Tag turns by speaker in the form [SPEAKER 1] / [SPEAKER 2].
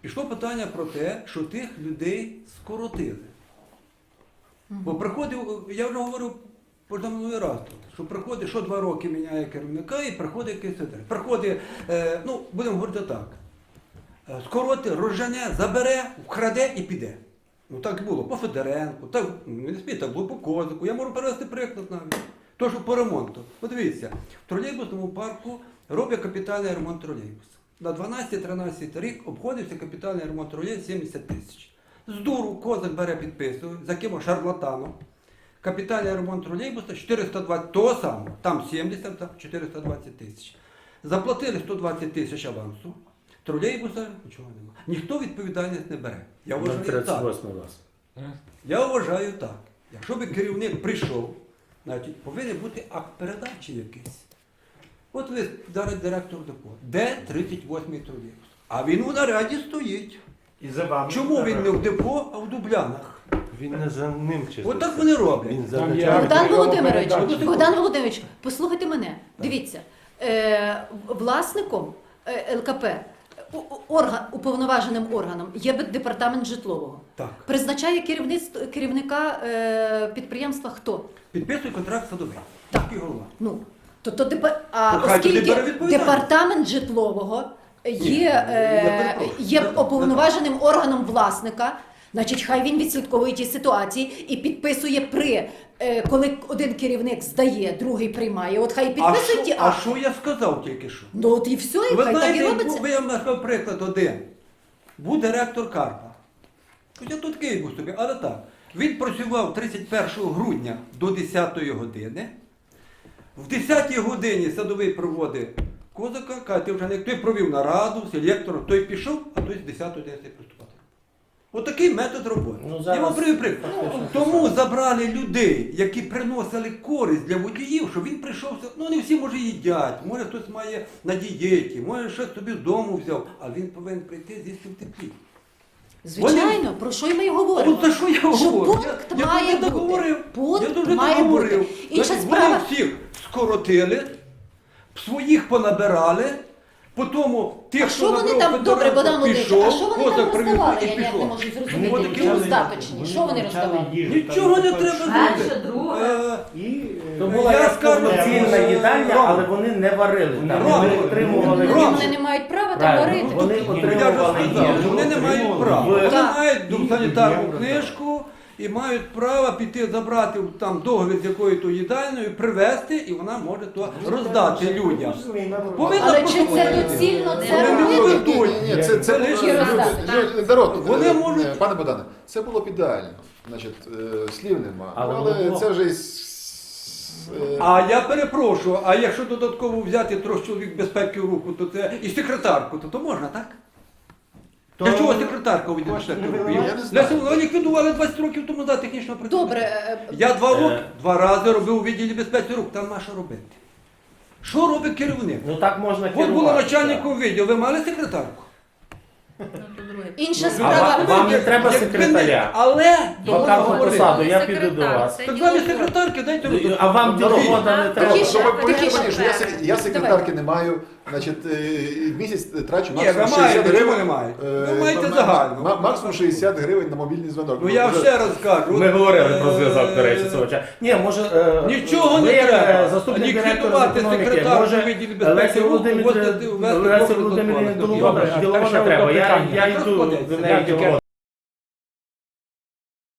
[SPEAKER 1] пішло питання про те, що тих людей скоротили. Бо приходив, я вже говорив позаминулий раз тут, що приходить, що 2 роки міняє керівника і приходить якийсь директор. Приходить, ну, будемо говорити так, скоротить, розжене, забере, вкраде і піде. Ну так було по Федоренку, так, не спіть, так було по Козику. Я можу привести приклад навіть. То, що по ремонту. Подивіться, в тролейбусному парку роблять капітальний ремонт тролейбуса. На 12-13 рік обходився капітальний ремонт тролейбуса 70 тисяч. З дуру Козак бере підписує, за кимось шарлатаном. Капітальний ремонт тролейбуса 420, того самого, там 70, там 420 тисяч. Заплатили 120 тисяч авансу, тролейбуса нічого немає. Ніхто відповідальність не бере. Я вважаю так.
[SPEAKER 2] 38 вас.
[SPEAKER 1] Я вважаю так. Якщо би керівник прийшов, значить, повинен бути акт передачі якийсь. От ви зараз директор депо. Де 38-й тролейбус? А він у наряді стоїть.
[SPEAKER 2] І за вами.
[SPEAKER 1] Чому він не в депо, а в Дублянах?
[SPEAKER 2] Він не за ним чисто.
[SPEAKER 1] От так вони роблять.
[SPEAKER 2] Він за
[SPEAKER 3] Там є-
[SPEAKER 2] начальником.
[SPEAKER 3] Богдан Володимирович, послухайте мене. Дивіться, власником ЛКП, уповноваженим органом є департамент житлового.
[SPEAKER 1] Так.
[SPEAKER 3] Призначає керівника підприємства хто?
[SPEAKER 1] Підписує контракт садовий.
[SPEAKER 3] Так.
[SPEAKER 1] Такий голова.
[SPEAKER 3] Ну,
[SPEAKER 1] Ну, хай тоді
[SPEAKER 3] оскільки
[SPEAKER 1] бере відповідальність.
[SPEAKER 3] департамент житлового є
[SPEAKER 1] перепрошую.
[SPEAKER 3] уповноваженим органом власника, значить, хай він відслідковує ті ситуації і підписує коли один керівник здає, другий приймає. От хай підписує ті
[SPEAKER 1] А
[SPEAKER 3] акти.
[SPEAKER 1] що я сказав тільки що?
[SPEAKER 3] Ну от і все, і
[SPEAKER 1] Ви
[SPEAKER 3] хай так і
[SPEAKER 1] знаєте,
[SPEAKER 3] робиться.
[SPEAKER 1] я вам назвав приклад один. Був директор Карпа. Хоча тут Київ був собі, але так. Він працював 31 грудня до 10 години. В 10 годині садовий проводить Козака, каже, ти вже не той провів нараду, селектором, той пішов, а той з 10 години приступати. Отакий метод роботи.
[SPEAKER 2] Ну, зараз
[SPEAKER 1] Я вам привів приклад.
[SPEAKER 2] фактично
[SPEAKER 1] Тому забрали людей, які приносили користь для водіїв, що він прийшов, ну не всі може їдять, може хтось має на дієті, може щось собі з дому взяв, а він повинен прийти з'їсти в теплі.
[SPEAKER 3] Звичайно, про що й ми й говоримо?
[SPEAKER 1] От за що я
[SPEAKER 3] Що
[SPEAKER 1] говорю?
[SPEAKER 3] пункт
[SPEAKER 1] Я
[SPEAKER 3] має
[SPEAKER 1] дуже
[SPEAKER 3] бути.
[SPEAKER 1] договорив.
[SPEAKER 3] Пункт
[SPEAKER 1] Я дуже
[SPEAKER 3] має
[SPEAKER 1] договорив.
[SPEAKER 3] бути. Інша
[SPEAKER 1] Значить,
[SPEAKER 3] справа.
[SPEAKER 1] Вони всіх скоротили, своїх понабирали, потім тих,
[SPEAKER 3] А що вони
[SPEAKER 1] набрав
[SPEAKER 3] там,
[SPEAKER 1] Федоренко,
[SPEAKER 3] добре, Богдан Володимирович,
[SPEAKER 1] пішов,
[SPEAKER 3] а що вони там
[SPEAKER 1] Козак привіз
[SPEAKER 3] роздавали?
[SPEAKER 1] і
[SPEAKER 3] Я ніяк не
[SPEAKER 1] пішов.
[SPEAKER 3] можу
[SPEAKER 1] Ну,
[SPEAKER 3] зрозуміти.
[SPEAKER 1] от такі
[SPEAKER 3] Роздаточні. Що вони роздавали?
[SPEAKER 1] Нічого не треба
[SPEAKER 4] Перше,
[SPEAKER 1] зробити.
[SPEAKER 4] друге.
[SPEAKER 2] То була
[SPEAKER 1] Я
[SPEAKER 2] як
[SPEAKER 1] скажу,
[SPEAKER 2] повноцінна їдальня,
[SPEAKER 1] Рома.
[SPEAKER 2] але вони не варили. Там
[SPEAKER 1] Рома.
[SPEAKER 2] вони отримували
[SPEAKER 1] Рома.
[SPEAKER 3] Вони не мають права там
[SPEAKER 2] Правильно.
[SPEAKER 3] варити.
[SPEAKER 2] Вони
[SPEAKER 1] Я вже
[SPEAKER 2] отримували
[SPEAKER 1] сказав,
[SPEAKER 2] їжу.
[SPEAKER 1] вони не мають права.
[SPEAKER 2] Ви-
[SPEAKER 1] Вони
[SPEAKER 3] Так.
[SPEAKER 1] мають санітарну книжку і мають право піти забрати там договір з якою-то їдальною, привезти, і вона може то роздати людям. Повинна
[SPEAKER 3] Але
[SPEAKER 1] просто
[SPEAKER 3] чи це
[SPEAKER 1] бути.
[SPEAKER 3] доцільно
[SPEAKER 1] Вони
[SPEAKER 3] це
[SPEAKER 1] не
[SPEAKER 3] робити?
[SPEAKER 1] робити.
[SPEAKER 5] Це
[SPEAKER 1] лише
[SPEAKER 5] було,
[SPEAKER 3] роздати.
[SPEAKER 5] народ,
[SPEAKER 1] Вони можуть-
[SPEAKER 5] пане Богдане, це було б ідеально. Значить, слів нема.
[SPEAKER 2] Але
[SPEAKER 5] Але,
[SPEAKER 2] воно було.
[SPEAKER 5] це вже
[SPEAKER 1] А я перепрошую, а якщо додатково взяти трьох чоловік безпеки в руку, то це і секретарку, то можна, так? Для чого секретарка від безпеки в руку?
[SPEAKER 5] Я не знаю.
[SPEAKER 1] Вони ліквідували 20 років тому назад технічного працівника.
[SPEAKER 3] Добре,
[SPEAKER 1] Я 2 роки, 2 рази робив у відділі безпеки рук, там на що робити? Що робить керівник?
[SPEAKER 2] Ну так можна
[SPEAKER 1] От
[SPEAKER 2] керувати.
[SPEAKER 1] було начальником відділу, ви мали секретарку?
[SPEAKER 3] інша
[SPEAKER 2] А
[SPEAKER 3] справа.
[SPEAKER 2] вам не треба
[SPEAKER 1] Якби не-
[SPEAKER 2] секретаря.
[SPEAKER 1] Але
[SPEAKER 2] Вакантну
[SPEAKER 1] говорити.
[SPEAKER 2] посаду, я піду до вас.
[SPEAKER 1] Так замість секретарки дайте руку.
[SPEAKER 2] А вам діловода не треба.
[SPEAKER 3] Тихіше.
[SPEAKER 5] Щоб ви повірили
[SPEAKER 3] Тихіше.
[SPEAKER 5] мені, що я секретарки не маю, значить, місяць трачу
[SPEAKER 1] Ні,
[SPEAKER 5] максимум
[SPEAKER 1] ви маєте,
[SPEAKER 5] 60
[SPEAKER 1] чому
[SPEAKER 5] гривень.
[SPEAKER 1] не маєте? Ви
[SPEAKER 5] е,
[SPEAKER 1] маєте
[SPEAKER 5] на-
[SPEAKER 1] загально.
[SPEAKER 5] Максимум 60 гривень на мобільний дзвінок.
[SPEAKER 1] Ну я
[SPEAKER 5] Вже-
[SPEAKER 1] ще раз кажу.
[SPEAKER 2] Ми
[SPEAKER 1] от,
[SPEAKER 2] говорили про зв'язок, до речі, цього часу. Ні, може,
[SPEAKER 1] Нічого
[SPEAKER 2] ви
[SPEAKER 1] не
[SPEAKER 2] як,
[SPEAKER 1] треба.
[SPEAKER 2] заступник директора з
[SPEAKER 1] Ліквідувати
[SPEAKER 2] економіки,
[SPEAKER 1] секретарку
[SPEAKER 2] може,
[SPEAKER 1] відділі безпеки
[SPEAKER 2] Лесі
[SPEAKER 1] руху,
[SPEAKER 2] Володимирівні
[SPEAKER 1] ввести
[SPEAKER 2] Лесі Володимирівні
[SPEAKER 1] Добре,
[SPEAKER 2] Доловода
[SPEAKER 3] Е,
[SPEAKER 2] треба. Я йду
[SPEAKER 1] Так
[SPEAKER 2] до неї
[SPEAKER 1] складеться.
[SPEAKER 2] діловода.